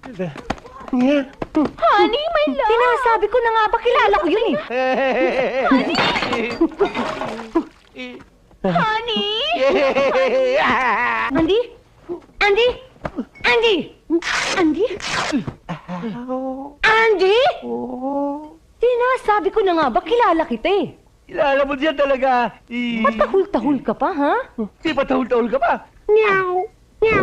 Honey, my love! Sinasabi ko na nga ba, kilala ko yun eh. Honey! Andy? Andy? Andy? Andy? Andy? Sinasabi ko na nga ba, kilala kita eh. Kilala mo diyan talaga. Patahul-tahul ka pa, ha? Di patahul-tahul ka pa. Meow! Meow!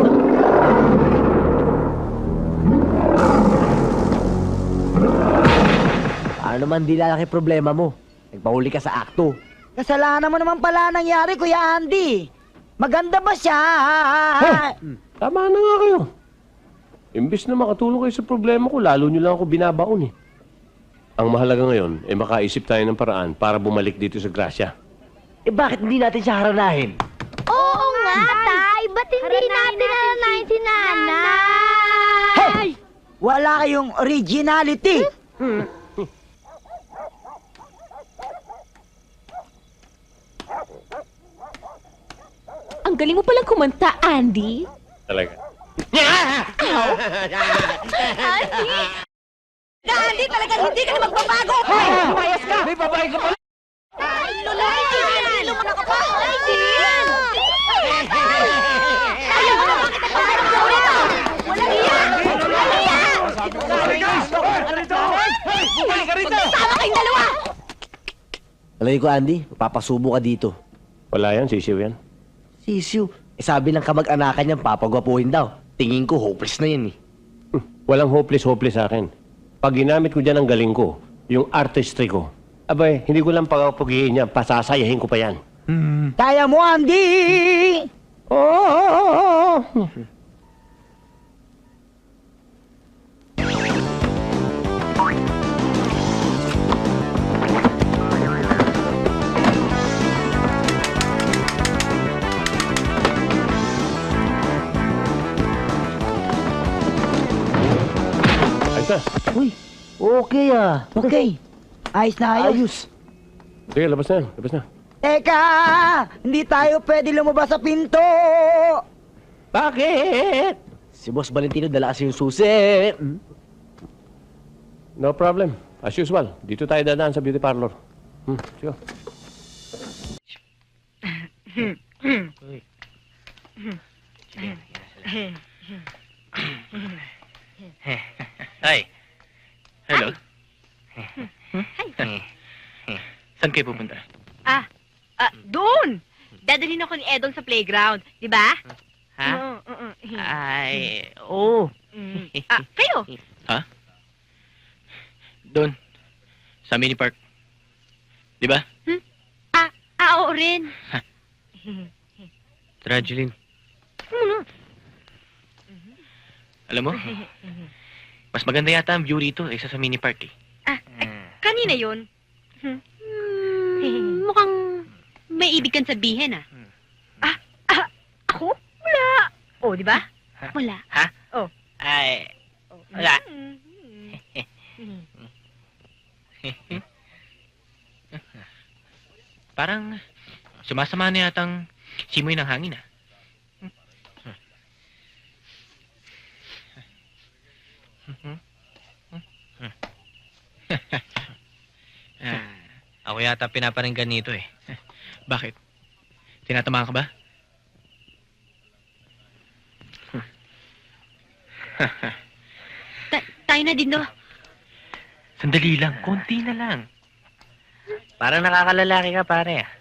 Ano naman di lalaki problema mo? Nagpahuli ka sa akto. Kasalanan mo naman pala nangyari, Kuya Andy. Maganda ba siya? Tama na nga kayo. Imbis na makatulong kayo sa problema ko, lalo nyo lang ako binabaon eh. Ang mahalaga ngayon, makaisip tayo ng paraan para bumalik dito sa Gracia. Bakit hindi natin siya haranahin? Oo nga, Tay! Ba't hindi natin alanayin si Nanay? Hey! Wala kayong originality. Ang galing mo palang kumanta, Andy. Talaga. Andy, talagang hindi ka na magbabago! Hoy! Lumayas ka! May babae ka pala! Lulay! Lumana ka pa! Andy! Ayaw mo na bakit nagbabago ka ulit? Walang iya! Walang iya! Bumalik ka rito! Sama kayong dalawa! Alam ko, Andy, papasubo ka dito. Wala yan, sisiw yan. Sisiw. Sabi ng kamag-anakan niyan, papagwapuhin daw. Tingin ko, hopeless na yan eh. Walang hopeless sa akin. Pag ginamit ko dyan ang galing ko, yung artistry ko, abay, hindi ko lang pagpapugihin niya, pasasayahin ko pa yan. Kaya mo, Andy! Oh! Ayos na. Uy, okay ah. Okay. Ayos na ayos. Ayos. Sige, labas na yan. Labas na. Teka! Hindi tayo pwede lumabas sa pinto! Bakit? Si Boss Valentino dala kasi yung susi. No problem. As usual, dito tayo dadaan sa beauty parlor. Sige. Hi. Hello. Saan kayo pupunta? Doon! Dadalhin ako ni Edong sa playground, di ba? Ha? Ay, oo. Kayo? Ha? Doon. Sa mini park. Di ba? Oo rin. Tara, Jeline. Alam mo, mas maganda yata ang view rito kaysa sa mini park eh. Kanina yun. Mukhang may ibig kang sabihin, ako? Wala. Oh, di ba? Wala. Ha? Oh. Ay, wala. Parang sumasama na yatang simoy ng hangin ah. Ako yata pinaparinggan nito eh. Bakit? Tinatamaan ka ba? Tayo na din, do. Sandali lang, konti na lang. Parang nakakalalaki ka, pare ah.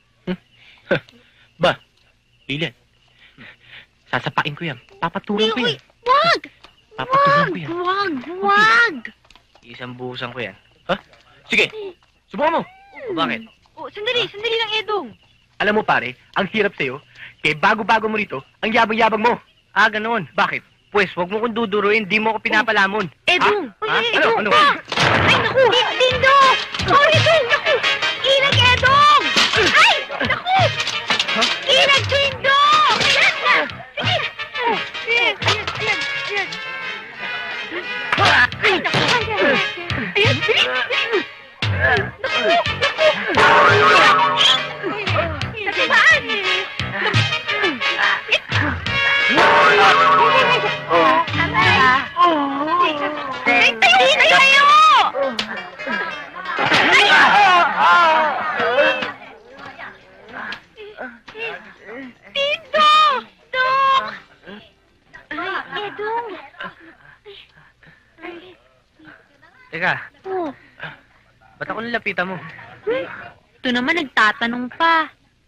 Ba, Lilian, sasapain ko yan. Papatulan ko yan. Wag! Papatulan ko yan. Wag! Isang buhusan ko yan. Ha? Sige, subukan mo. O bakit? Oh, sandali lang, Edong. Alam mo pare, ang hirap sa'yo, kaya bago-bago mo rito, ang yabang-yabang mo. Ah, ganoon. Bakit? Pues, wag mo kong duduruin, di mo ako pinapalamon. Edong! Ha? Uy, Ano? Edong! Ano? Ay, naku! Dindo! Oh, Edong! Naku! Ilag, Edong! Ay! Naku! Ilag, Dindo! Ayan na! Sige! Ayan! Ay, naku! Ayan! Bilis! Nasaan? Dong. Teka, Oh. ba't ako nilapitan mo? Ito naman, nagtatanong pa.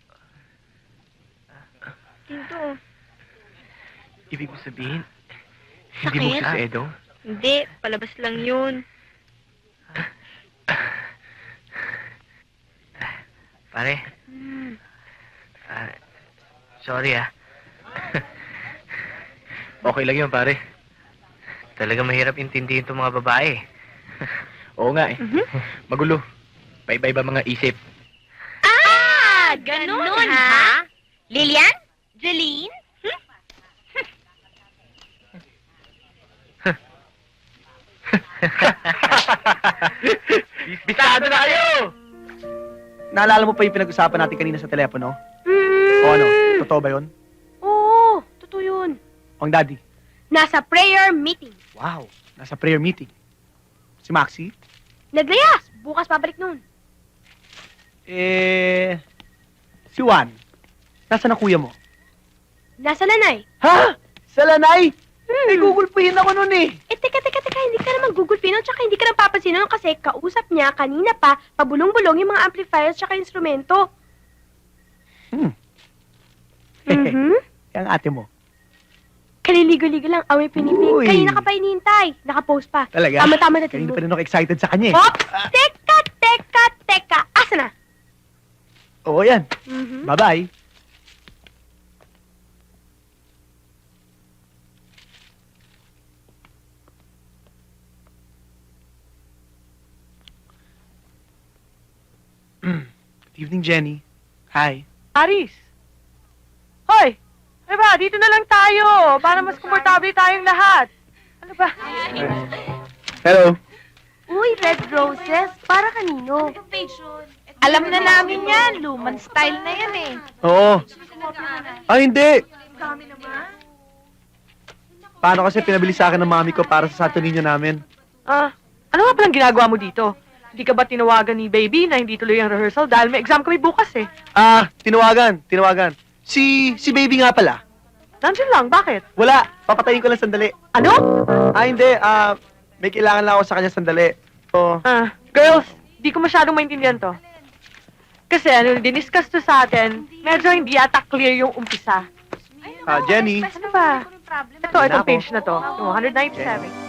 Dito. Ibig mo sabihin, Sakit? hindi mo gusto si Edong? Hindi, palabas lang yun. Pare, sorry Okay lang yun, pare. Talaga mahirap intindihin itong mga babae. Oo nga eh. Magulo. Paiba-iba mga isip. Ganun, ha? Lilian? Jeline? Bisado na kayo! Naalala mo pa yung pinag-usapan natin kanina sa telepono? O ano? Totoo ba yun? Oo, totoo yun. Ang daddy. Nasa prayer meeting. Wow. Nasa prayer meeting. Si Maxi? Naglayas! Bukas pabalik nun. Si Juan. Nasaan ang kuya mo? Nasa nanay. Ha? Sa lanay? Gugulpihin ako nun eh. Teka, hindi ka naman Google Pinoy, tsaka hindi ka naman papansin nun kasi kausap niya kanina pa, pabulong-bulong yung mga amplifiers tsaka instrumento. Ang ate mo. Kaliligo-ligo lang, away pinipig. Uy. Kanina ka pa inihintay, nakapost pa. Talaga? Tama-tama na Kanina tingin pa rin ako excited sa kanya eh. Hop! Teka! Asa na? Oo yan. Bye-bye. Good evening, Jenny. Hi. Aris! Hoy! Ano ba? Dito na lang tayo para mas komportable tayong lahat. Ano ba? Hello. Uy, red roses. Para kanino? Alam na namin yan. Luman style na yan eh. Oo. Ay, hindi. Paano kasi pinabili sa akin ng mami ko para sa Santo Niño namin? Ano nga palang ginagawa mo dito? Hindi ka ba tinawagan ni baby na hindi tuloy ang rehearsal dahil may exam kami bukas eh? Tinawagan. Si baby nga pala. Nandiyan lang, bakit? Wala. Papatayin ko lang sandali. Ano? Hindi. May kailangan lang ako sa kanya sandali. So, Girls, di ko masyadong maintindihan to. Kasi ano, diniscuss to sa atin, medyo hindi yata clear yung umpisa. Jenny. Ano ba? Ito, Ako. itong page na to, yung 197.